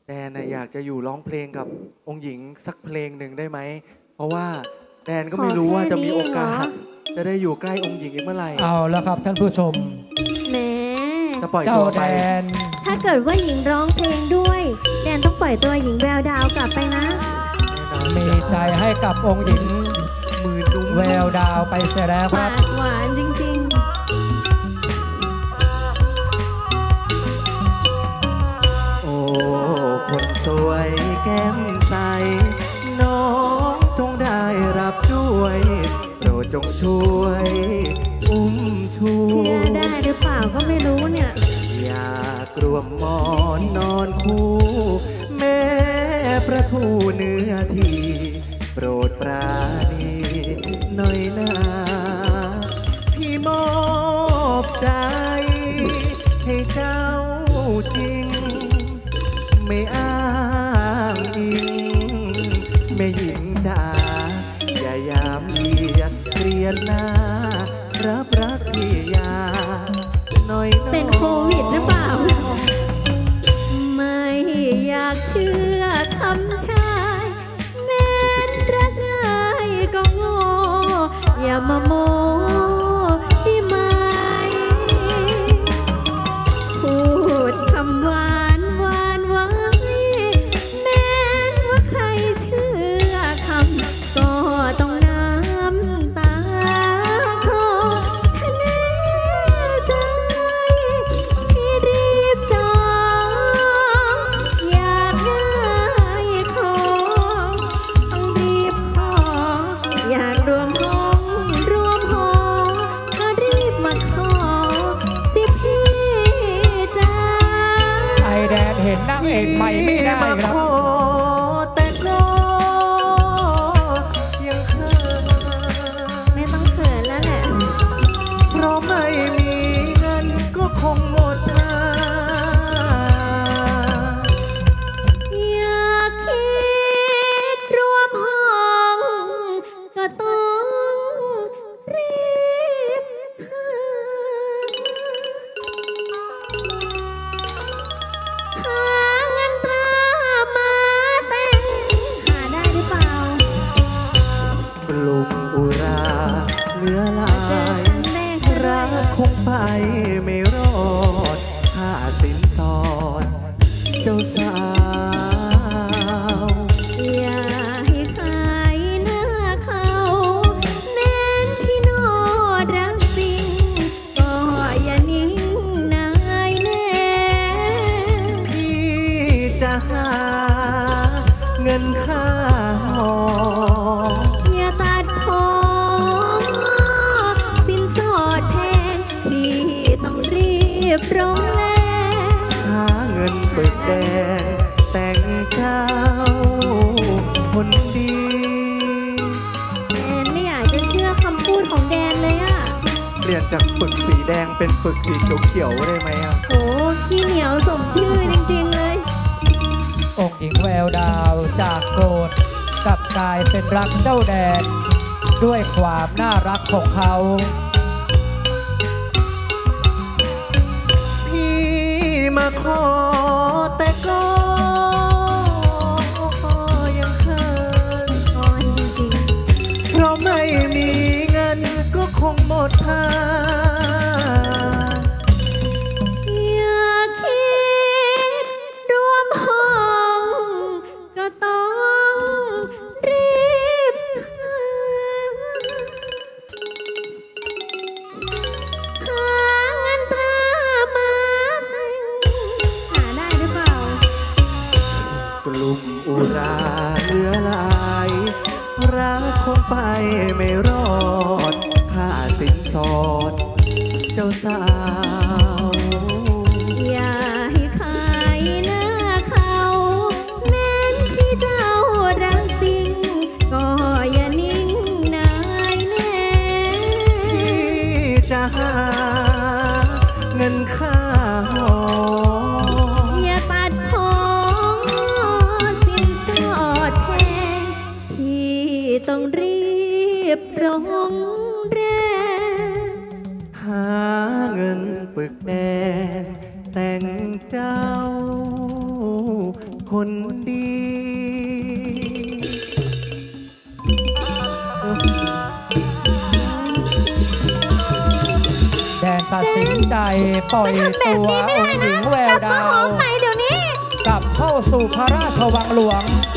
แดนนะอยากจะอยู่ร้องเพลงกับองค์หญิงสักเพลงหนึ่งได้ไหมเพราะว่าแดนก็ไม่รู้ว่าจะมีโอกาสจะได้อยู่ใกล้องค์หญิงอีกเมื่อไหร่เอาแล้วครับท่านผู้ชมแหมจะปล่อยเจ้าตัวแดไปนถ้าเกิดว่าหญิงร้องเพลงด้วยแดนต้องปล่อยตัวหญิงแววดาวกลับไปนะมีใจให้กับองค์หญิงมือนุ่มแววดาวไปเสียแล้วคปารับกหวานจริงโอ้คนสวยแก้มใสน้องจงได้รับด้วยโปรดจงช่วยอุ้มชูๆ เชื่อได้หรือเปล่าก็ไม่รู้เนี่ยอยากรวมหมอนนอนคู่ แม่ประทูเนื้อทีโปรดปราณีหน่อยนาพี่มอบใจให้เจ้าจริง ไม่อ้างอิงแม่หญิงจ๋าอย่ายามเยียดเรียนหน้ารับรักพี่ยาหน่อยเป็นโควิดหรือเปล่า ไม่อยากเชื่อคำชายแม้นรักง่ายก็โง่อย่ามาโมได้ไหมพูดคำหวานหวานไว้แม้นว่าใครเชื่อคำก็ต้องน้ำตาคลอถ้าแน่ใจพี่รีบจองอยากได้ของต้องรีบขออยากรวมห้องรวมหอก็รีบมาขอสิพี่จ้าไอแดนเห็นนางเอกใหม่ไม่ได้ครับขอแต่ก็ยังเขินไม่ต้องเขินแล้วแหละเพราะไม่มีเงินก็คงหมดทางอยากคิดรวมห้องก็ต้องรีบหาเงินตรามาแต่งหาได้หรือเปล่าปลุกอุราเหลือหลาเจอย ครั้งแรกซะด้รัวกยคงไปไม่รอดค่าสินสอดเจ้าสาวอย่าให้ขายหน้าเขาแม้นพี่โนดรักจริงก็อย่านิ่งนายแน่พี่จะหาเงินค่าหออย่าตัดผมสินสดแพงพี่ต้องรีบร้องแลหาเงินเบิกแดงแต่งเจ้าคนดีแดนไม่อยากจะเชื่อคำพูดของแดนเลยอะเปลี่ยนจากปึกสีแดงเป็นปึกสีเขียวๆได้ไหมอ่ะโหขี้เหนียวสมชื่อจริงๆเลยองค์หญิงแววดาวจากโกรธกลับกลายเป็นรักเจ้าแดน ด้วยความน่ารักของเขาพี่มาขอแต่ก็ยังเขินอ่อนจริงๆเพราะไม่มีเงินก็คงหมดทางอยากคิดรวมห้องก็ต้องรีบหาเงินตรามาแต่งหาได้หรือเปล่ากลุ่มอุราเหลือหลายรักคงไปไม่รอดค่าสินสอดเจ้าสาวอย่าให้ขายหน้าเขาแม้นพี่เจ้ารักจริง ก็อย่านิ่งนายแน่พี่จะหาเงินค่าหออย่าตัดผมสินสอดแพงพี่ต้องรีบร้องแรงหาเงินคนดีแดนตัดสินใจปล่อยตัวองค์หญิงแววกลับมาดาหอวมใหม่เดี๋ยวนี้กลับเข้าสู่พระราชวังหลวง